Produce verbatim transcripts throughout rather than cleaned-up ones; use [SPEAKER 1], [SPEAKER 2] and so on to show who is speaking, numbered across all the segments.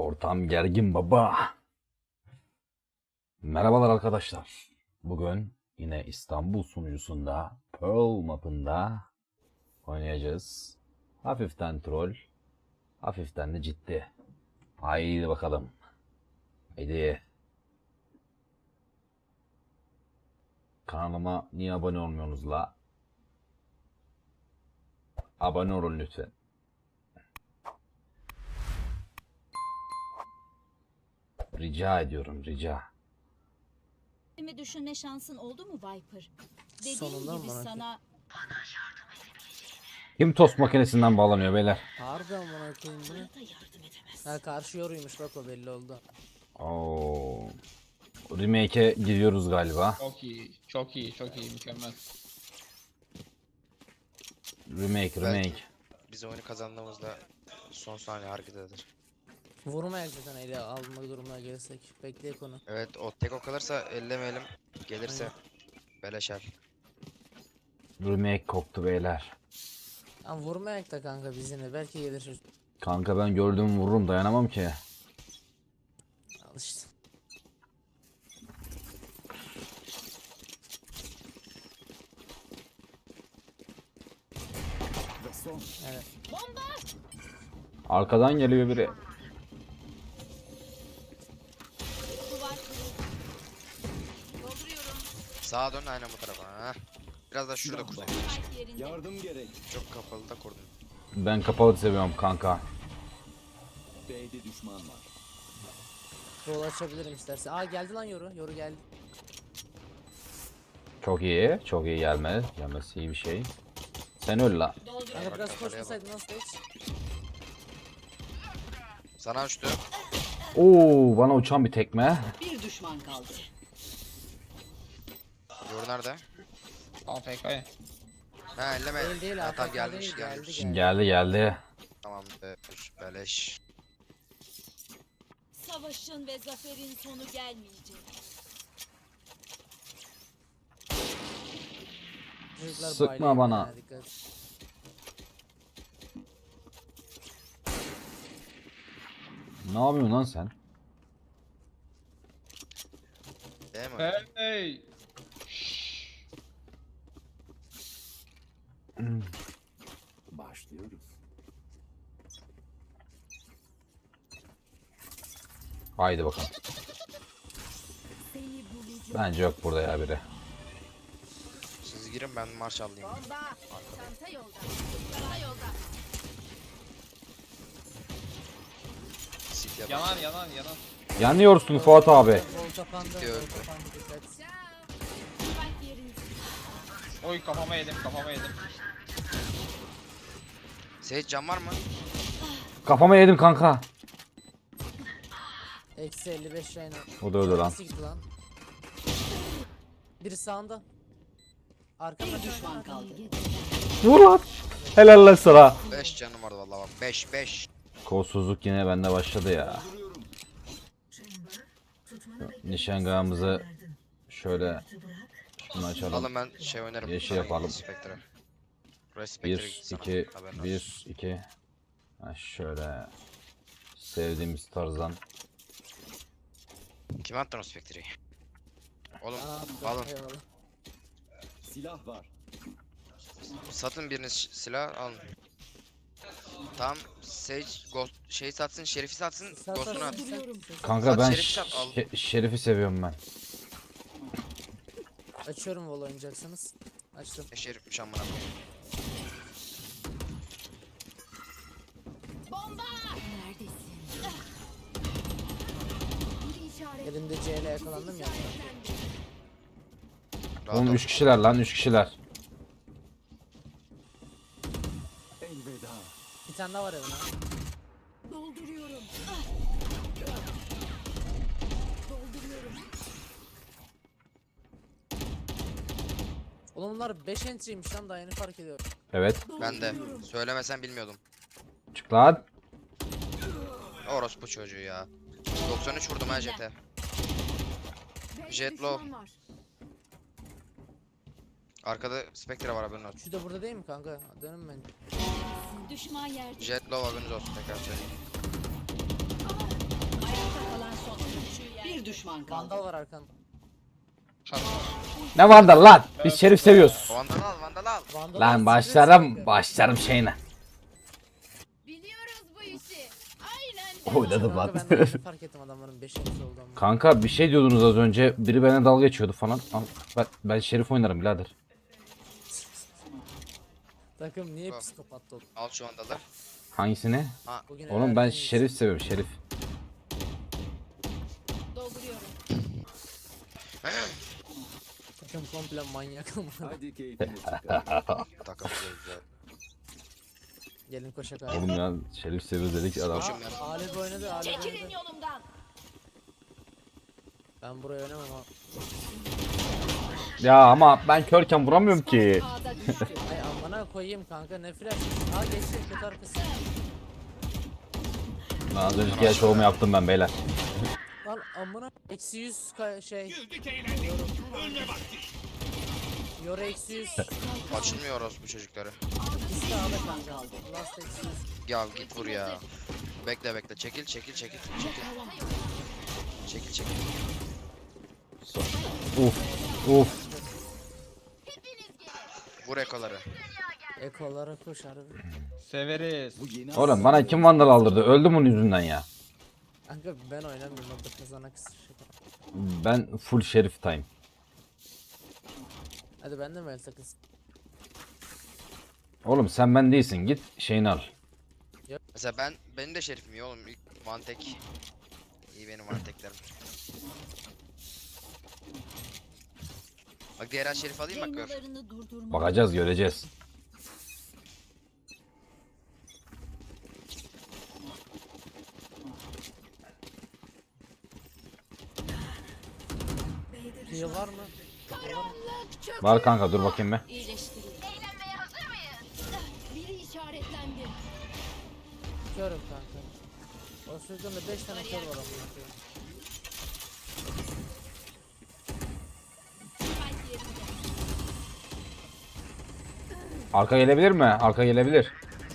[SPEAKER 1] Ortam gergin baba. Merhabalar arkadaşlar. Bugün yine İstanbul sunucusunda Pearl mapında oynayacağız. Hafiften troll, hafiften de ciddi. Haydi bakalım. Haydi. Kanalıma niye abone olmuyorsunuz la? Abone olun lütfen. Rica ediyorum, rica.
[SPEAKER 2] Mi düşünme şansın oldu mu Viper? Dediğim
[SPEAKER 3] Sonunda
[SPEAKER 2] gibi
[SPEAKER 3] mı bana
[SPEAKER 2] sana
[SPEAKER 1] Kim tost makinesinden bağlanıyor beyler?
[SPEAKER 3] Harbi amına koyayım bunu.
[SPEAKER 2] da yardım edemez.
[SPEAKER 3] Ha karşı yoruymuş bak, o belli oldu.
[SPEAKER 1] Oo. Remake'e gidiyoruz galiba.
[SPEAKER 4] Çok iyi, çok iyi, çok iyi, mükemmel.
[SPEAKER 1] Remake, remake.
[SPEAKER 5] Biz oyunu kazandığımızda son saniye hareketidir.
[SPEAKER 3] Vurmayak zaten, ele alma durumuna gelirsek. Bekleyek onu.
[SPEAKER 5] Evet, o tek o kalırsa ellemeyelim. Gelirse beleşer.
[SPEAKER 1] Remake koktu beyler.
[SPEAKER 3] Ama vurmayak da kanka bizimle, belki gelir.
[SPEAKER 1] Kanka ben gördüğümü vururum, dayanamam ki.
[SPEAKER 3] Al işte. Evet.
[SPEAKER 1] Arkadan geliyor biri.
[SPEAKER 2] Duvar kırıldı. Dolduruyorum.
[SPEAKER 5] Sağa dön, aynen bu tarafa. Ha. Biraz da şurada kurdum.
[SPEAKER 2] Spike yerinde.
[SPEAKER 6] Yardım gerek.
[SPEAKER 5] Çok kapalı da kurdum.
[SPEAKER 1] Ben kapalı seviyorum kanka.
[SPEAKER 6] B'de düşman var.
[SPEAKER 3] Rol açabilirim istersen. Aa geldi lan yoru. Yoru geldi.
[SPEAKER 1] Çok iyi, çok iyi gelmez. Gelmesi iyi bir şey. Sen öl la.
[SPEAKER 3] Kanka
[SPEAKER 5] Bak,
[SPEAKER 3] biraz
[SPEAKER 5] kafaya
[SPEAKER 3] koşmasaydın nasıl hiç?
[SPEAKER 5] Sana uçtu.
[SPEAKER 1] Oo, bana uçan bir tekme.
[SPEAKER 2] Bir düşman kaldı.
[SPEAKER 5] Yoru nerede?
[SPEAKER 4] A F K.
[SPEAKER 5] Ha, elleme.
[SPEAKER 3] Değil değil,
[SPEAKER 5] Ha, tamam,
[SPEAKER 3] A F K
[SPEAKER 5] gelmiş
[SPEAKER 3] değil,
[SPEAKER 5] gelmiş.
[SPEAKER 3] geldi.
[SPEAKER 1] Geldi geldi.
[SPEAKER 5] Tamam be, beleş.
[SPEAKER 2] Savaşın ve zaferin sonu gelmeyecek.
[SPEAKER 3] Çocuklar
[SPEAKER 1] Sıkma
[SPEAKER 3] bayılıyor
[SPEAKER 1] bana.
[SPEAKER 3] ya, dikkat.
[SPEAKER 1] Ne yapıyorsun lan sen?
[SPEAKER 5] Değil mi?
[SPEAKER 4] Hey!
[SPEAKER 6] Başlıyoruz.
[SPEAKER 1] Haydi bakalım. Bence yok burada ya biri.
[SPEAKER 5] Siz girin, ben marş alayım.
[SPEAKER 2] Çanta yolda. Çanta yolda.
[SPEAKER 5] Sit ya.
[SPEAKER 4] Yanan, yanan, yanan.
[SPEAKER 1] Yanıyorsun Fuat abi.
[SPEAKER 3] Rol kapandı.
[SPEAKER 5] Diyor.
[SPEAKER 3] Rol kapandı, dikkat.
[SPEAKER 2] Spike yerinde.
[SPEAKER 4] Oy, kafama yedim, kafama yedim.
[SPEAKER 5] Seyit, can var mı?
[SPEAKER 1] Kafama yedim kanka.
[SPEAKER 3] Eksi elli beş yayın.
[SPEAKER 1] O da öldü lan.
[SPEAKER 3] Nasıl gitti lan? Biri sağında. Arkada düşman kaldı.
[SPEAKER 1] Vur lan. Helal lan sana.
[SPEAKER 5] beş canım vardı vallahi bak. beş beş.
[SPEAKER 1] Kolsuzluk yine bende başladı ya. Nişangahımızı şöyle şunu açalım.
[SPEAKER 5] Alın, ben şey oynarım.
[SPEAKER 1] Yeşil yapalım.
[SPEAKER 5] Spectre. Buraya Spectre
[SPEAKER 1] Bir,
[SPEAKER 5] gitsin.
[SPEAKER 1] iki,
[SPEAKER 5] Haberin olsun.
[SPEAKER 1] bir, iki. Ha şöyle. Sevdiğimiz tarzdan.
[SPEAKER 5] Kime attın o Spectre'yi? Oğlum
[SPEAKER 3] Aa,
[SPEAKER 5] alın.
[SPEAKER 3] eyvallah.
[SPEAKER 6] Silah var.
[SPEAKER 5] Satın biriniz silah alın. Tamam, Sage Ghost şey satsın, Şerif'i satsın,
[SPEAKER 3] Sat,
[SPEAKER 5] Ghost'unu
[SPEAKER 3] sat,
[SPEAKER 5] at.
[SPEAKER 3] sat.
[SPEAKER 1] Kanka
[SPEAKER 5] Sat
[SPEAKER 1] ben
[SPEAKER 5] Şerif'i sat, al.
[SPEAKER 1] Şe- Şerif'i seviyorum ben.
[SPEAKER 3] Açıyorum, vol oynayacaksınız. Açtım.
[SPEAKER 5] Ne Şerif'miş amına koyayım.
[SPEAKER 2] Neredesin?
[SPEAKER 3] Elimde C ile yakalandım ya.
[SPEAKER 5] Rahat
[SPEAKER 1] Oğlum
[SPEAKER 5] ol.
[SPEAKER 1] üç kişiler lan üç kişiler.
[SPEAKER 6] Elveda.
[SPEAKER 3] Bir tane daha var evine.
[SPEAKER 2] Dolduruyorum. Dolduruyorum.
[SPEAKER 3] Oğlum bunlar beş entry'ymiş lan, daha yeni fark ediyorum.
[SPEAKER 1] Evet.
[SPEAKER 5] Ben de. Söylemesen bilmiyordum.
[SPEAKER 1] Çık lan.
[SPEAKER 5] Orospu çocuğu ya. doksan üç vurdum ha Jet'e. Jet low. Arkada Spectre var, haberin olsun.
[SPEAKER 3] Şu da burada değil mi kanka? Dönün ben.
[SPEAKER 2] Düşman yerde.
[SPEAKER 5] Jet low, haberiniz olsun, tekrar söyleyeyim.
[SPEAKER 7] Bir düşman kaldı.
[SPEAKER 3] Vandal var arkan.
[SPEAKER 4] Çat.
[SPEAKER 1] Ne vandal lan? Biz şerif seviyoruz.
[SPEAKER 5] Vandal al, vandal al.
[SPEAKER 3] Vandal
[SPEAKER 1] Lan
[SPEAKER 3] var,
[SPEAKER 1] başlarım
[SPEAKER 3] Secret
[SPEAKER 1] başlarım şeyine.
[SPEAKER 2] Biliyoruz bu işi. Aynen.
[SPEAKER 1] Oynadım
[SPEAKER 3] Kanka
[SPEAKER 1] lan.
[SPEAKER 3] ben de yeni fark ettim adamların beş eksi oldu ama.
[SPEAKER 1] Kanka bir şey diyordunuz az önce. Biri bana dalga geçiyordu falan. Al, Ben, ben şerif oynarım birader.
[SPEAKER 3] Takım niye
[SPEAKER 5] Bak.
[SPEAKER 3] psikopat oldu?
[SPEAKER 5] Al şu vandalı.
[SPEAKER 1] Hangisini?
[SPEAKER 3] Bugün
[SPEAKER 1] Oğlum ben
[SPEAKER 3] herhalde
[SPEAKER 1] şerif seviyorum şerif.
[SPEAKER 2] Dolduruyorum.
[SPEAKER 3] Takım komple manyak ama.
[SPEAKER 6] Hadi keyfini çıkar.
[SPEAKER 5] Takılacağız ya.
[SPEAKER 3] Gelin koşak abi.
[SPEAKER 1] Oğlum ya şerif seviyoruz dedik adam.
[SPEAKER 5] Koşun ben.
[SPEAKER 3] Alep oynadı, Alep
[SPEAKER 2] Çekilin
[SPEAKER 3] oynadı.
[SPEAKER 2] yolumdan.
[SPEAKER 3] Ben buraya oynamam ama.
[SPEAKER 1] Ya ama ben körken vuramıyorum ki.
[SPEAKER 2] Ağda düştü.
[SPEAKER 3] Ay amına koyayım kanka ne flash. Aa geçti kötü arkası.
[SPEAKER 1] Ben az önce gel şovumu yaptım ben beyler.
[SPEAKER 3] Lan amına eksi yüz ka- şey. Yor eksi yüz.
[SPEAKER 5] Açılmıyor orospu çocukları.
[SPEAKER 3] İkisi de A'da kanka. Last eksi yüz.
[SPEAKER 5] Ya git vur ya. Bekle bekle. Çekil çekil çekil. Çekil. Çekil çekil.
[SPEAKER 1] Uf uf.
[SPEAKER 5] Vur ekoları.
[SPEAKER 3] Ekolara koş harbi.
[SPEAKER 4] Severiz.
[SPEAKER 6] Bu yeni
[SPEAKER 1] Oğlum bana kim vandal aldırdı? Öldüm onun yüzünden ya.
[SPEAKER 3] Kanka ben oynamıyorum orada kazanak şey.
[SPEAKER 1] Ben full şerif time.
[SPEAKER 3] Hadi ben de mi el takılsın?
[SPEAKER 1] Oğlum sen ben değilsin git şeyini al.
[SPEAKER 5] Mesela ben benim de şerifim iyi oğlum. İlk one tek. İyi benim one teklerim. Bak diğer her şerif alayım bak gör.
[SPEAKER 2] Yaymalarını durdurmalı.
[SPEAKER 1] Bakacağız göreceğiz.
[SPEAKER 3] Heal var mı?
[SPEAKER 2] Karanlık çöküyor.
[SPEAKER 1] Var kanka dur bakayım be.
[SPEAKER 2] İyileştirin. Eğlenmeye hazır mıyız? Biri işaretlendi.
[SPEAKER 3] Körüm kanka. O sözümde beş tane kör var amına koyayım.
[SPEAKER 2] Kalp yerinde.
[SPEAKER 1] Arka gelebilir mi? Arka gelebilir.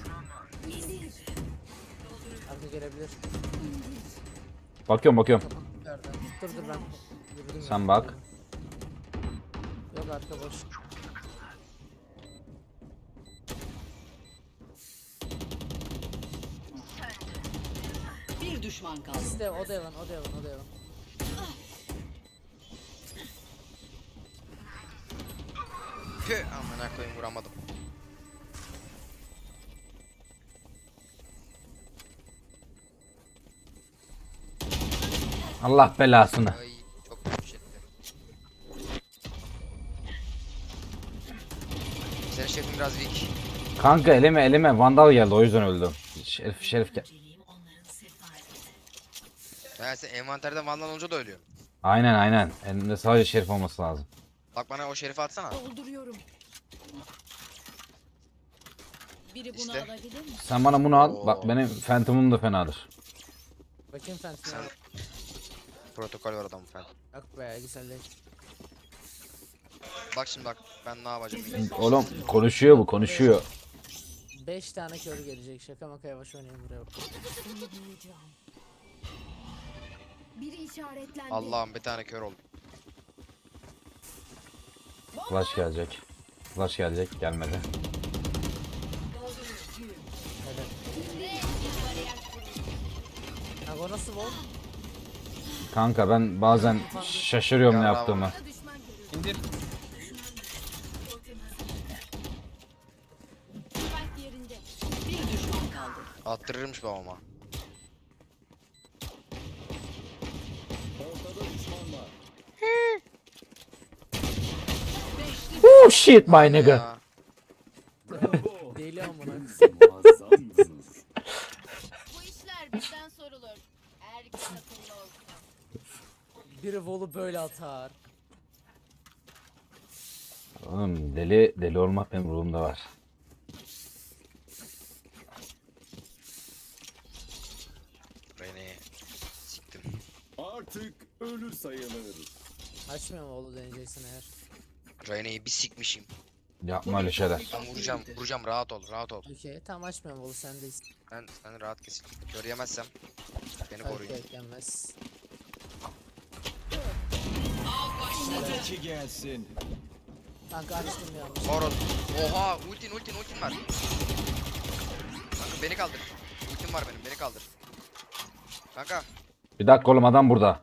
[SPEAKER 3] Arka gelebilir.
[SPEAKER 1] Bakıyorum bakıyorum.
[SPEAKER 3] Nereden? Dur dur ben. Yürüdüm
[SPEAKER 1] Sen
[SPEAKER 3] ya.
[SPEAKER 1] bak.
[SPEAKER 3] Yok arka boş.
[SPEAKER 7] Bir düşman kaldı.
[SPEAKER 3] İkisi de o da yalan, o da yalan, o da yalan.
[SPEAKER 5] Püh amına koyayım vuramadım.
[SPEAKER 1] Allah belasını.
[SPEAKER 5] Ay çok kötü şeydi. Senin şefin biraz weak.
[SPEAKER 1] Kanka elime elime vandal geldi o yüzden öldüm. Şerif şerif gel.
[SPEAKER 5] Yani sen envanterde vandal olunca da ölüyor.
[SPEAKER 1] Aynen aynen. Elimde sadece şerif olması lazım.
[SPEAKER 5] Bak bana o şerifi atsana.
[SPEAKER 2] Dolduruyorum. Biri bunu
[SPEAKER 5] İşte.
[SPEAKER 2] alabilir mi?
[SPEAKER 1] Sen bana bunu al. Bak
[SPEAKER 5] Oo.
[SPEAKER 1] benim Phantom'um da fenadır.
[SPEAKER 3] Bakayım Phantom'a.
[SPEAKER 5] Sen protokol var adamın falan.
[SPEAKER 3] Yok be güzel değil.
[SPEAKER 5] Bak şimdi bak ben ne yapacağım.
[SPEAKER 1] Oğlum konuşuyor bu konuşuyor.
[SPEAKER 3] beş tane kör gelecek. Şaka maka yavaş oynayayım buraya.
[SPEAKER 2] Seni bulacağım. Biri işaretlendi.
[SPEAKER 5] Allah'ım bir tane kör oldu.
[SPEAKER 1] Flash gelecek. Flash gelecek gelmedi.
[SPEAKER 3] Hadi. Kanka o nasıl bol?
[SPEAKER 1] Kanka ben bazen şaşırıyorum ne
[SPEAKER 5] Ya,
[SPEAKER 1] yaptığımı.
[SPEAKER 2] Düşman görüyorum.
[SPEAKER 4] İndir.
[SPEAKER 2] Kalp yerinde.
[SPEAKER 7] Bir düşman kaldı.
[SPEAKER 5] Attırırmış babama.
[SPEAKER 6] Ortada düşman var.
[SPEAKER 1] Oh shit my nigga.
[SPEAKER 5] Ya.
[SPEAKER 6] Bravo.
[SPEAKER 3] Deli amına.
[SPEAKER 6] Muazzamsınız.
[SPEAKER 2] Bu işler bizden sorulur. Erkek akıllı olsun.
[SPEAKER 3] Biri volu böyle atar.
[SPEAKER 1] Oğlum deli deli olmak benim ruhumda var.
[SPEAKER 5] Beni siktim.
[SPEAKER 6] Artık ölü sayılır.
[SPEAKER 3] Açmıyorum volu deneyeceksin eğer.
[SPEAKER 5] Reyne'yi bir sikmişim.
[SPEAKER 1] Yapma öyle şeyler.
[SPEAKER 5] Ben vuracağım, vuracağım rahat ol, rahat ol.
[SPEAKER 3] Okey tamam açmıyorum volu sendeyiz.
[SPEAKER 5] Ben sen rahat kesin. Kör yemezsem beni
[SPEAKER 3] Tabii
[SPEAKER 5] koruyun.
[SPEAKER 3] ki eklenmez.
[SPEAKER 6] Sıradaki gelsin.
[SPEAKER 3] Kanka açtım yanlış.
[SPEAKER 5] Oros. Oha ultin ultin ultin var. Kanka beni kaldır. Ultim var benim beni kaldır. Kanka
[SPEAKER 1] Bir dakika oğlum adam burada.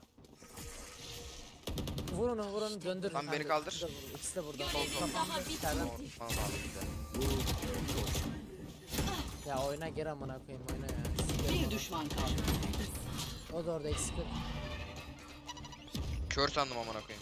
[SPEAKER 3] Vur onu vur onu döndür.
[SPEAKER 5] Lan beni
[SPEAKER 3] Kanka,
[SPEAKER 5] kaldır.
[SPEAKER 3] ikisi de burada, İkisi de burada.
[SPEAKER 2] Daha bitmedi.
[SPEAKER 5] tamam tamam abi bir de.
[SPEAKER 3] Ya oyna geri amına koyayım oyna ya.
[SPEAKER 7] Bir düşman kaldı.
[SPEAKER 3] O da orada eksik.
[SPEAKER 5] Kör sandım amına koyayım.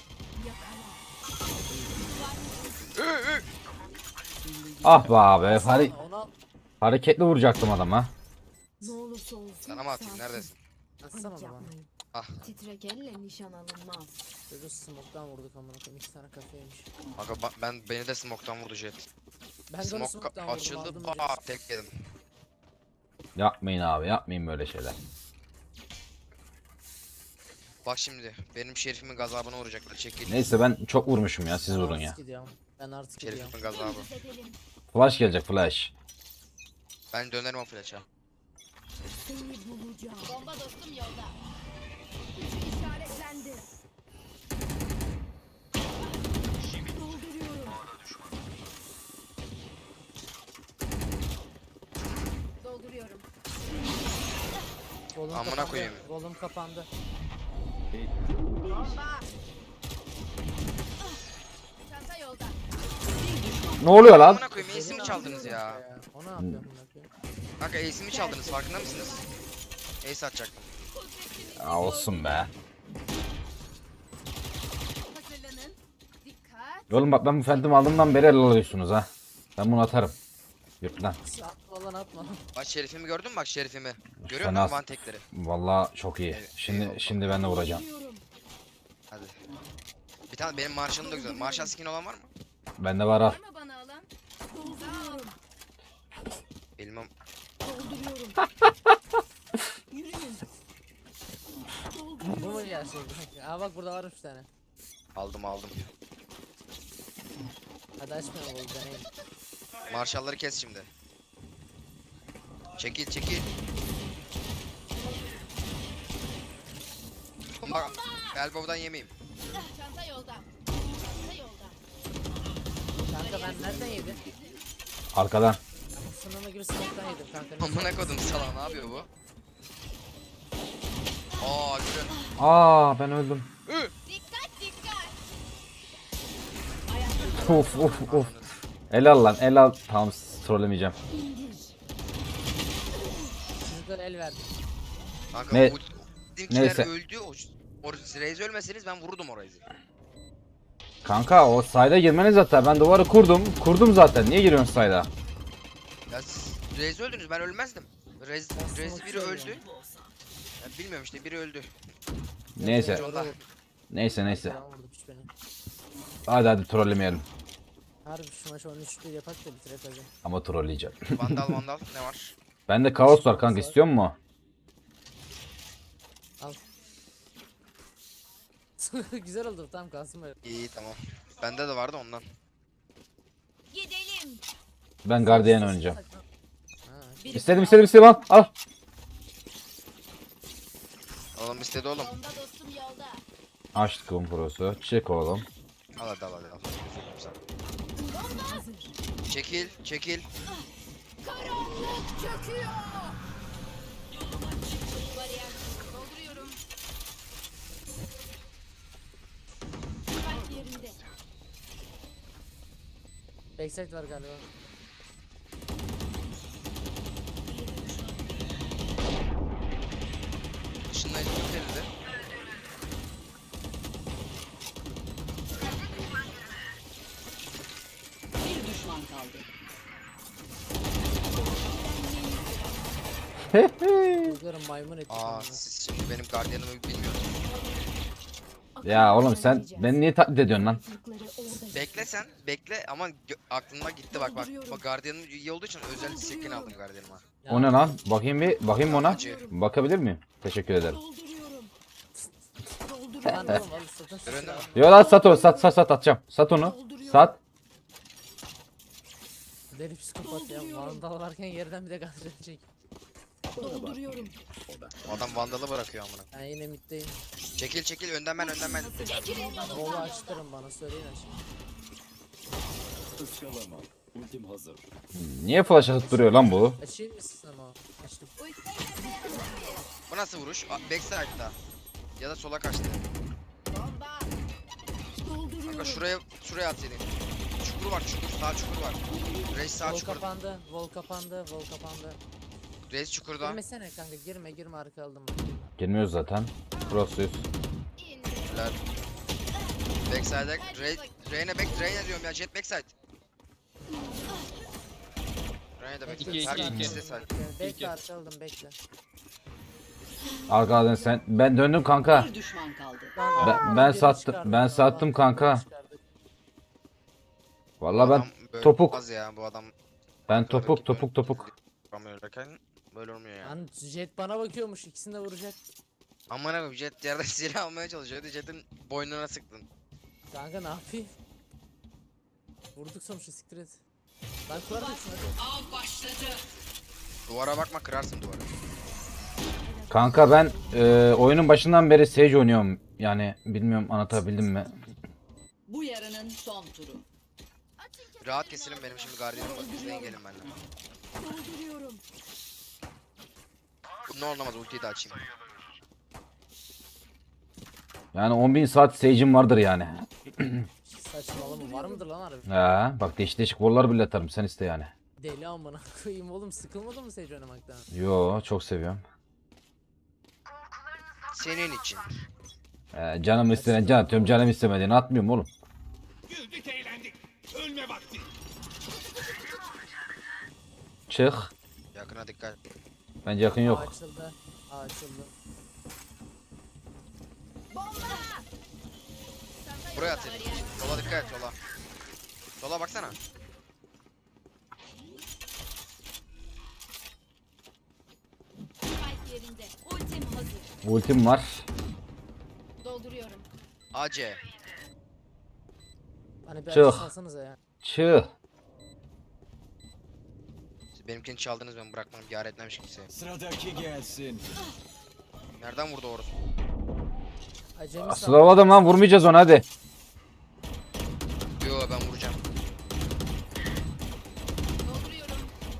[SPEAKER 1] Ah be abi. Hare-
[SPEAKER 3] Ona
[SPEAKER 1] hareketli vuracaktım adama.
[SPEAKER 2] Ne olursa olsun.
[SPEAKER 5] Sana mı atayım neredesin?
[SPEAKER 3] atsana
[SPEAKER 2] Panik
[SPEAKER 3] bana.
[SPEAKER 2] yapmayın.
[SPEAKER 5] Ah.
[SPEAKER 2] Titrek elle nişan alınmaz.
[SPEAKER 3] Çocuğu smoke'tan vurduk amına koyayım. İki tane kafaymış.
[SPEAKER 5] Kanka ba- ben beni de smoke'tan vurdu jet.
[SPEAKER 3] Ben de onu
[SPEAKER 5] Smoke
[SPEAKER 3] smoke'tan vurdum.
[SPEAKER 5] açıldı.
[SPEAKER 3] Aldım
[SPEAKER 5] Aa
[SPEAKER 3] direkt.
[SPEAKER 5] tek yedim.
[SPEAKER 1] Yapmayın abi yapmayın böyle şeyler.
[SPEAKER 5] Bak şimdi benim şerifimin gazabına uğrayacaklar. Çekil.
[SPEAKER 1] Neyse ben çok vurmuşum ya siz
[SPEAKER 3] Ben
[SPEAKER 1] vurun ya.
[SPEAKER 3] artık gidiyorum. Ben artık gidiyorum.
[SPEAKER 5] Şerifimin gazabı.
[SPEAKER 2] Dümdüz edelim.
[SPEAKER 1] Flash gelecek flash.
[SPEAKER 5] Ben dönerim o flash'a.
[SPEAKER 2] Seni bulacağım.
[SPEAKER 8] Bomba dostum yolda.
[SPEAKER 2] İşaretlendi. Dolduruyorum.
[SPEAKER 8] Dolduruyorum.
[SPEAKER 3] Golüm
[SPEAKER 5] Amına
[SPEAKER 3] kapandı,
[SPEAKER 5] koyayım.
[SPEAKER 3] Golüm kapandı.
[SPEAKER 8] Bomba. Çanta yolda.
[SPEAKER 1] Ne oluyor lan?
[SPEAKER 5] Amına koyayım ace'imi çaldınız ya.
[SPEAKER 3] O ne yapıyor amına koyayım?
[SPEAKER 5] Kanka ace'imi çaldınız farkında mısınız? Ace atacaktım.
[SPEAKER 1] Ya olsun be.
[SPEAKER 8] Hazırlanın. Dikkat.
[SPEAKER 1] Oğlum bak ben bu Phantom aldığımdan beri el alıyorsunuz ha. Ben bunu atarım. Yurt lan.
[SPEAKER 3] Atma lan atma.
[SPEAKER 5] Bak şerifimi gördün mü bak şerifimi? Görüyor
[SPEAKER 1] Fena-
[SPEAKER 5] musun one tekleri?
[SPEAKER 1] Vallahi çok iyi.
[SPEAKER 5] Evet,
[SPEAKER 1] Şimdi
[SPEAKER 5] eyvallah.
[SPEAKER 1] şimdi ben de vuracağım.
[SPEAKER 5] Hadi. Bir tane benim Marshall'ım da güzel. Marshall skin olan var mı?
[SPEAKER 1] Bende var al.
[SPEAKER 8] Var mı bana alan?
[SPEAKER 2] Dolduruyorum.
[SPEAKER 5] Bilmem.
[SPEAKER 2] Dolduruyorum. Yürüyün.
[SPEAKER 3] Bu mu gerçekten? Aa bak burada varmış bir tane.
[SPEAKER 5] Aldım aldım.
[SPEAKER 3] Hadi açmayalım bu deneyelim.
[SPEAKER 5] Marshall'ları kes şimdi. Çekil çekil. Bak elbow'dan yemeyeyim.
[SPEAKER 8] Çanta yolda. Çanta yolda.
[SPEAKER 3] Kanka ben nereden yedim?
[SPEAKER 1] Arkadan.
[SPEAKER 3] Sınırma gibi smoke'tan yedim kanka.
[SPEAKER 5] Amına kodum sala ne yapıyor bu? Aa görün.
[SPEAKER 1] Aa ben öldüm.
[SPEAKER 8] Dikkat dikkat.
[SPEAKER 1] Of of of. El al lan el al. Tamam trollemeyeceğim.
[SPEAKER 3] Çocuklar el verdi.
[SPEAKER 5] Kanka
[SPEAKER 1] Ne-
[SPEAKER 5] bu bizimkiler
[SPEAKER 1] neyse.
[SPEAKER 5] öldü. O, o Reis ölmeseniz ben vururdum o Reis'i.
[SPEAKER 1] Kanka o sayda girmeniz zaten. Ben duvarı kurdum. Kurdum zaten. Niye giriyorsun sayda?
[SPEAKER 5] Ya siz Reis öldünüz ben ölmezdim. Reis,
[SPEAKER 3] Ben
[SPEAKER 5] Reis
[SPEAKER 3] smoke
[SPEAKER 5] biri öldü.
[SPEAKER 3] söylüyorum.
[SPEAKER 5] Ya bilmiyorum işte biri öldü.
[SPEAKER 1] Neyse.
[SPEAKER 5] Yolda.
[SPEAKER 1] Neyse neyse.
[SPEAKER 3] Selam vurdu piç beni.
[SPEAKER 1] Hadi hadi trollemeyelim.
[SPEAKER 3] Harbi şu maçı on üç bir yapak da bitirek hocam.
[SPEAKER 1] Ama trolleyeceğim.
[SPEAKER 5] Vandal vandal ne var?
[SPEAKER 1] Bende kaos var kanka istiyor musun?
[SPEAKER 3] Al. Güzel oldu tam kalsın böyle.
[SPEAKER 5] İyi tamam. Bende de vardı ondan.
[SPEAKER 2] Gidelim.
[SPEAKER 1] Ben gardiyan oynayacağım.
[SPEAKER 3] Ha,
[SPEAKER 1] İstedim istedim istedim al. Al.
[SPEAKER 5] Oğlum istedi oğlum.
[SPEAKER 8] Bomba dostum yolda.
[SPEAKER 1] Açtık kum prosu. Çek oğlum.
[SPEAKER 5] Al hadi al hadi al. Üzüldüm sana. Çekil çekil.
[SPEAKER 8] Karanlık çöküyor. Bariyer. Dolduruyorum. Kalp yerinde.
[SPEAKER 3] backside var galiba.
[SPEAKER 5] Işınlayıcı yok elde.
[SPEAKER 7] Bir düşman kaldı.
[SPEAKER 3] Çocuklarım maymun ettik.
[SPEAKER 5] Aa
[SPEAKER 3] amına.
[SPEAKER 5] siz şimdi benim gardiyanımı bilmiyorsunuz.
[SPEAKER 1] Ya oğlum sen beni niye taklit ediyorsun lan?
[SPEAKER 2] Kırıkları orada.
[SPEAKER 5] Bekle sen bekle ama gö- aklıma gitti bak bak. Bak gardiyanım iyi olduğu için özel skin aldım gardiyanıma.
[SPEAKER 3] Ya,
[SPEAKER 1] O ne lan? Bakayım bir bakayım ona.
[SPEAKER 5] Acı.
[SPEAKER 1] Bakabilir miyim? Teşekkür ederim.
[SPEAKER 2] Dolduruyorum.
[SPEAKER 3] Lan
[SPEAKER 2] Dolduruyorum.
[SPEAKER 3] oğlum al satın şu
[SPEAKER 5] Ürünü-
[SPEAKER 3] silahı.
[SPEAKER 1] Yo lan sat onu sat sat sat atacağım. Sat onu. Sat.
[SPEAKER 3] Deli psikopat ya. Vandal varken yerden bir de gazete çek.
[SPEAKER 2] Dolduruyorum.
[SPEAKER 5] Adam vandalı bırakıyor amına.
[SPEAKER 3] Ben yine middeyim.
[SPEAKER 5] Çekil çekil önden ben önden ben.
[SPEAKER 3] Volu açtırın bana söyleyin açın.
[SPEAKER 6] Iskalama. Ultim hazır.
[SPEAKER 1] Niye flash atıp duruyor lan bu?
[SPEAKER 3] Açayım mı siz ama? Açtım.
[SPEAKER 5] Bu nasıl vuruş? A- Backside'da. Ya da sola kaçtı.
[SPEAKER 8] Bomba.
[SPEAKER 5] Kanka şuraya şuraya atsaydın. Çukur var çukur sağ çukur var. Reis sağ
[SPEAKER 3] Vol
[SPEAKER 5] çukur.
[SPEAKER 3] kapandı. Vol kapandı. Vol kapandı.
[SPEAKER 5] Reis çukurda.
[SPEAKER 3] Girmesene kanka girme girme arka aldım.
[SPEAKER 1] Girmiyoruz zaten. Cross'uyuz.
[SPEAKER 5] Helal. Backside'e Rey Reyne back Reyne diyorum ya jet backside. Reyne de
[SPEAKER 4] İki,
[SPEAKER 5] backside.
[SPEAKER 4] iki,
[SPEAKER 5] Her
[SPEAKER 4] iki.
[SPEAKER 5] ikisi de side.
[SPEAKER 3] Bekle
[SPEAKER 4] İki.
[SPEAKER 3] arka aldım bekle.
[SPEAKER 1] Arkadan sen. Ben döndüm kanka.
[SPEAKER 7] Bir düşman kaldı.
[SPEAKER 3] Lan,
[SPEAKER 1] Ben-
[SPEAKER 3] aa,
[SPEAKER 1] ben
[SPEAKER 3] birini
[SPEAKER 1] sattım-
[SPEAKER 3] çıkardım
[SPEAKER 1] ben
[SPEAKER 3] ya,
[SPEAKER 1] sattım
[SPEAKER 3] lan,
[SPEAKER 1] kanka.
[SPEAKER 3] birini çıkardık.
[SPEAKER 1] Vallahi
[SPEAKER 5] Adam
[SPEAKER 1] ben
[SPEAKER 5] böyle
[SPEAKER 1] topuk.
[SPEAKER 5] olmaz ya bu adam.
[SPEAKER 1] ben
[SPEAKER 5] Böyle
[SPEAKER 1] topuk
[SPEAKER 5] rakip
[SPEAKER 1] topuk topuk.
[SPEAKER 5] Vuramıyorlarken böyle olmuyor ya.
[SPEAKER 3] Lan jet bana bakıyormuş ikisini de vuracak.
[SPEAKER 5] Aman abi jet yerde silah almaya çalışıyordu. Jet'in boynuna sıktın.
[SPEAKER 3] Kanka ne yapayım? Vurduk sonuçta siktir et. Lan kurarsın hadi.
[SPEAKER 7] Av başladı.
[SPEAKER 5] Duvara bakma kırarsın duvarı.
[SPEAKER 1] Kanka ben e, oyunun başından beri Sage oynuyorum. Yani bilmiyorum anlatabildim mi?
[SPEAKER 7] Bu yarının son turu.
[SPEAKER 5] Rahat keselim benim şimdi gardiyanım var. İzleyin gelin benimle.
[SPEAKER 2] Dolduruyorum.
[SPEAKER 5] Ne olmaz ultiyi de açayım.
[SPEAKER 1] Yani on bin saat Sage'im vardır yani.
[SPEAKER 3] Saçmalama var mıdır lan harbi?
[SPEAKER 1] Ha, bak değişik değişik bollar bile atarım sen iste yani.
[SPEAKER 3] Deli amına koyayım oğlum sıkılmadın mı Sage oynamaktan?
[SPEAKER 1] Yo çok seviyorum.
[SPEAKER 5] Senin için.
[SPEAKER 1] Ee, canım istenen can atıyorum, canım istemediğini atmıyorum oğlum.
[SPEAKER 6] Güldük eğlendik. Ölme vakti.
[SPEAKER 1] Çık.
[SPEAKER 5] Yakına dikkat.
[SPEAKER 1] Bence yakın
[SPEAKER 3] Aa,
[SPEAKER 1] yok.
[SPEAKER 3] açıldı. Aa, açıldı.
[SPEAKER 5] Buraya at seni. Sola dikkat et sola. Sola baksana.
[SPEAKER 2] Spike yerinde. Ultim hazır.
[SPEAKER 1] Ultim var.
[SPEAKER 2] Dolduruyorum.
[SPEAKER 5] A C.
[SPEAKER 3] Hani bir
[SPEAKER 1] Çık.
[SPEAKER 3] açı salsanıza ya.
[SPEAKER 1] Çık.
[SPEAKER 5] Siz benimkini çaldınız ben bırakmam. Yar etmemiş kimseye.
[SPEAKER 6] Sıradaki gelsin.
[SPEAKER 5] Nereden vurdu orası?
[SPEAKER 3] Acemi
[SPEAKER 1] Asıl havadım lan, vurmayacağız onu hadi.
[SPEAKER 5] Yo ben vuracağım.
[SPEAKER 8] Dolduruyorum.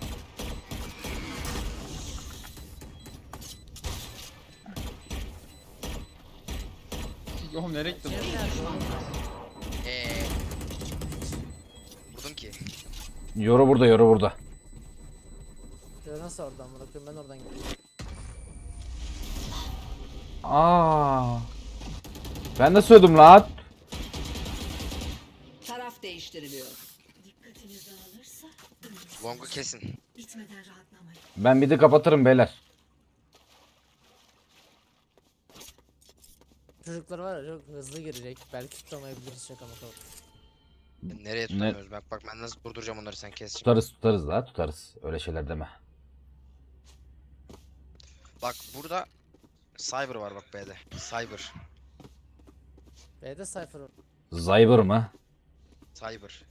[SPEAKER 4] Oğlum nereye gittin?
[SPEAKER 3] Cem nerede oğlum?
[SPEAKER 5] Eee. Vurdum ki.
[SPEAKER 1] Yoru burada, yoru burada.
[SPEAKER 3] Ya nasıl oradan bırakıyorum ben oradan gidiyorum.
[SPEAKER 1] Aa. Ben de söyledim lan.
[SPEAKER 7] Taraf değiştiriliyor.
[SPEAKER 2] Dikkatiniz dağılırsa
[SPEAKER 5] Long'u kesin.
[SPEAKER 2] bitmeden rahatlamayın.
[SPEAKER 1] Ben bir de kapatırım beyler.
[SPEAKER 3] Çocuklar var ya çok hızlı girecek. Belki tutamayabiliriz şaka maka.
[SPEAKER 5] Nereye tutamıyoruz? Bak bak ben nasıl durduracağım onları sen kes. şimdi.
[SPEAKER 1] Tutarız tutarız la tutarız. Öyle şeyler deme.
[SPEAKER 5] Bak burada Cyber var bak B'de. Cyber.
[SPEAKER 3] B'de Cypher var.
[SPEAKER 1] Zyber mı?
[SPEAKER 5] Cyber.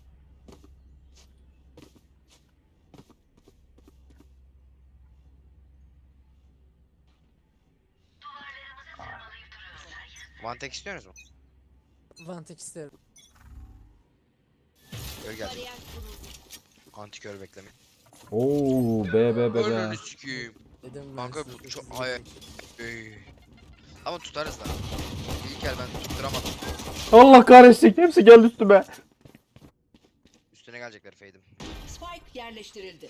[SPEAKER 5] One tek istiyorsunuz mu?
[SPEAKER 3] Vantek isterim.
[SPEAKER 5] Öl geldi.
[SPEAKER 8] Bariyer kuruldu.
[SPEAKER 5] Antikör bekleme.
[SPEAKER 1] Oo be be be be.
[SPEAKER 5] Ölünü sikiyim.
[SPEAKER 3] Dedim ben
[SPEAKER 5] Kanka
[SPEAKER 3] size
[SPEAKER 5] bu çok
[SPEAKER 3] hızlı
[SPEAKER 5] ay.
[SPEAKER 3] girecek.
[SPEAKER 5] Ey. Ama tutarız da. İlk el ben tutturamadım.
[SPEAKER 1] Allah kahretsin, hepsi geldi üstüme.
[SPEAKER 5] Üstüne gelecekler Fade'im.
[SPEAKER 7] Spike yerleştirildi.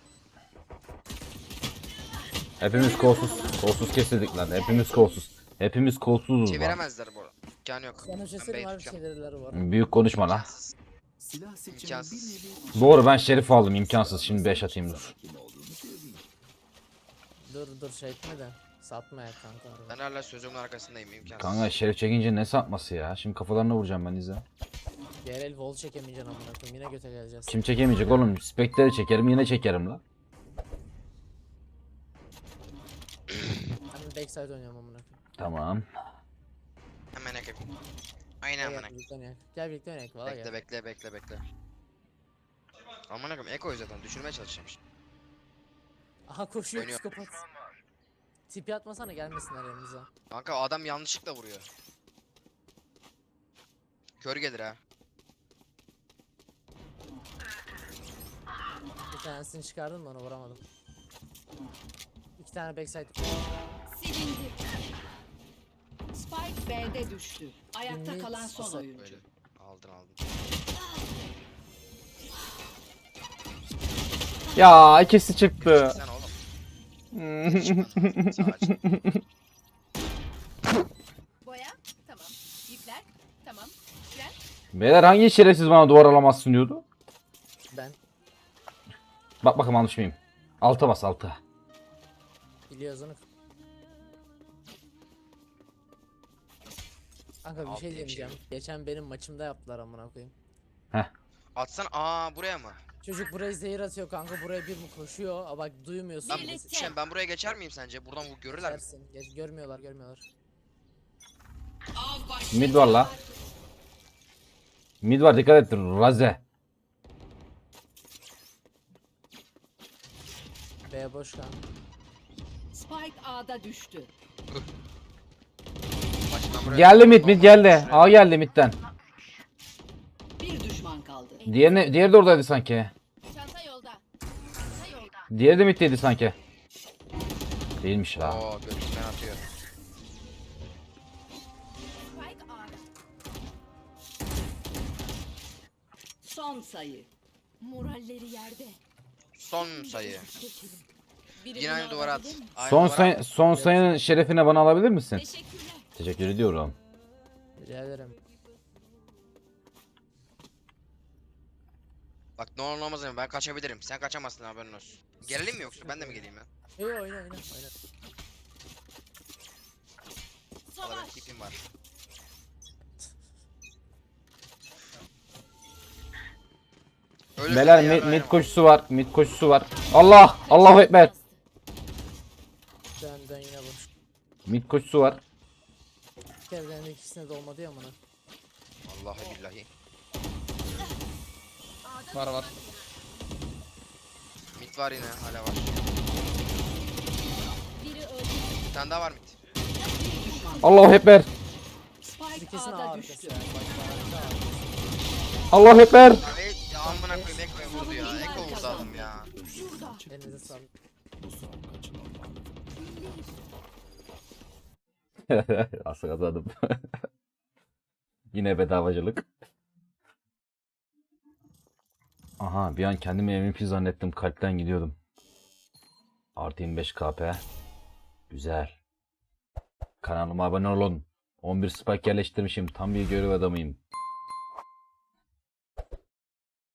[SPEAKER 1] Hepimiz kolsuz. Kolsuz kesildik lan. Hepimiz kolsuz. Hepimiz kolsuzuz lan.
[SPEAKER 5] Çeviremezler bu arada. İmkanı yok.
[SPEAKER 3] Sana
[SPEAKER 5] Ben
[SPEAKER 3] şaşırım
[SPEAKER 5] B'yi
[SPEAKER 3] var
[SPEAKER 5] tutacağım.
[SPEAKER 3] şeyleri var.
[SPEAKER 1] Büyük konuşma lan.
[SPEAKER 5] İmkansız.
[SPEAKER 6] Silah seçimi bir
[SPEAKER 5] İmkansız.
[SPEAKER 6] nevi
[SPEAKER 1] Doğru, ben Şerif aldım, imkansız. Şimdi beş atayım dur.
[SPEAKER 6] kim olduğunu söyleyeyim.
[SPEAKER 3] Dur dur şey etme de. Satma ya kanka.
[SPEAKER 5] Ben hala sözümün arkasındayım imkansız.
[SPEAKER 1] Kanka Şerif çekince ne satması ya? Şimdi kafalarına vuracağım ben izle.
[SPEAKER 3] Yerel vol çekemeyeceksin amına koyayım yine göte geleceğiz.
[SPEAKER 1] Kim çekemeyecek oğlum? Spectre'i çekerim, yine çekerim lan.
[SPEAKER 3] Ben backside oynuyorum amına koyayım.
[SPEAKER 1] Tamam.
[SPEAKER 5] Hemen yakayım. Aynen
[SPEAKER 3] Gel
[SPEAKER 5] hemen
[SPEAKER 3] gel birlikte oynayalım. Gel birlikte oynayalım valla
[SPEAKER 5] Bekle
[SPEAKER 3] gel.
[SPEAKER 5] bekle bekle bekle. Aman akım Eko'yu zaten düşürmeye çalışacağım şimdi.
[SPEAKER 3] Aha koşuyor
[SPEAKER 5] Dönüyor.
[SPEAKER 3] psikopat. Tipi atmasana gelmesinler yanımıza.
[SPEAKER 5] Kanka adam yanlışlıkla vuruyor. Kör gelir ha.
[SPEAKER 3] Bir tanesini çıkardım da onu vuramadım. İki tane backside.
[SPEAKER 2] Silindi.
[SPEAKER 7] Spike B'de düştü. Ayakta
[SPEAKER 3] Mid
[SPEAKER 7] kalan son
[SPEAKER 3] olsa
[SPEAKER 7] oyuncu.
[SPEAKER 5] Böyle. Aldın aldın.
[SPEAKER 1] Ya ikisi çıktı.
[SPEAKER 5] Sen oğlum. Çıkmadı. Sağ aç.
[SPEAKER 8] Boya. Tamam. İpler. Tamam. Fren.
[SPEAKER 1] Beyler hangi şerefsiz bana duvar alamazsın diyordu?
[SPEAKER 3] Ben
[SPEAKER 1] Bak bakalım almış mıyım? Alta bas alta.
[SPEAKER 3] biliyoruz onu. Kanka bir
[SPEAKER 5] Alt
[SPEAKER 3] şey
[SPEAKER 5] diye bir şey
[SPEAKER 3] diyeceğim. Geçen benim maçımda yaptılar amına koyayım.
[SPEAKER 5] Atsan aa buraya mı?
[SPEAKER 3] Çocuk buraya zehir atıyor kanka, buraya bir mi koşuyor? Aa bak duymuyorsun.
[SPEAKER 5] Ben,
[SPEAKER 2] Birlikte.
[SPEAKER 5] şey, ben buraya geçer miyim sence? Buradan bu görürler mi?
[SPEAKER 3] Geçersin. Geç, görmüyorlar görmüyorlar.
[SPEAKER 7] Av başladı.
[SPEAKER 1] Mid var la. Mid var dikkat et Raze.
[SPEAKER 3] B boş kanka.
[SPEAKER 7] Spike A'da düştü.
[SPEAKER 5] Başından buraya.
[SPEAKER 1] Geldi mid mid geldi. A geldi midden.
[SPEAKER 7] Bir düşman kaldı.
[SPEAKER 1] Diğeri, diğeri de oradaydı sanki.
[SPEAKER 8] Çanta yolda. Çanta yolda.
[SPEAKER 1] Diğeri de middeydi sanki. Değilmiş la.
[SPEAKER 5] Oo götünden atıyor.
[SPEAKER 8] Spike A'da.
[SPEAKER 7] Son sayı.
[SPEAKER 2] Moralleri yerde.
[SPEAKER 5] Son sayı.
[SPEAKER 2] Geçelim. Biri
[SPEAKER 5] Yine
[SPEAKER 2] bunu
[SPEAKER 5] aynı duvara at.
[SPEAKER 2] alabilir mi?
[SPEAKER 5] Aynı
[SPEAKER 1] Son
[SPEAKER 5] duvara
[SPEAKER 1] say
[SPEAKER 5] at.
[SPEAKER 1] son sayının şerefine bana alabilir misin?
[SPEAKER 2] Teşekkürler.
[SPEAKER 1] Teşekkür ediyorum.
[SPEAKER 3] Rica ederim.
[SPEAKER 5] Bak ne olur ne olmaz ama ben kaçabilirim. Sen kaçamazsın haberin olsun. Gelelim mi yoksa ben de mi geleyim ya?
[SPEAKER 3] Yo yo, oyna oyna oyna.
[SPEAKER 5] Valla benim
[SPEAKER 2] Savaş.
[SPEAKER 5] tipim var. Ölürsen
[SPEAKER 1] Beyler
[SPEAKER 5] de
[SPEAKER 1] mid,
[SPEAKER 5] yarın
[SPEAKER 1] mid
[SPEAKER 5] oynamam.
[SPEAKER 1] koşusu var. Mid koşusu var. Allah! Allahu ekber.
[SPEAKER 3] Dön dön yine boş.
[SPEAKER 1] Mid koşusu var.
[SPEAKER 3] Evlerin ikisine de olmadı ya amına.
[SPEAKER 5] Vallahi billahi.
[SPEAKER 4] Var var.
[SPEAKER 5] Mid var yine hala var.
[SPEAKER 2] Biri öldü.
[SPEAKER 5] Bir tane daha var mid.
[SPEAKER 1] Allahu ekber.
[SPEAKER 7] Spike
[SPEAKER 3] İkisinin
[SPEAKER 7] A'da
[SPEAKER 3] arkası
[SPEAKER 7] düştü.
[SPEAKER 3] yani. Bak bak arkası.
[SPEAKER 1] Allahu ekber.
[SPEAKER 5] Ya, e, ya amına koyayım Ekko'ya vurdu ya. Ekko vurdu adam ya.
[SPEAKER 3] Elinize sağlık.
[SPEAKER 6] Bu son kaçınılmaz.
[SPEAKER 1] Asıl kazandım. Yine bedavacılık. Aha bir an kendimi M V P zannettim. Kalpten gidiyordum. Artı yirmi beş K P. Güzel. Kanalıma abone olun. on bir spike yerleştirmişim. Tam bir görev adamıyım.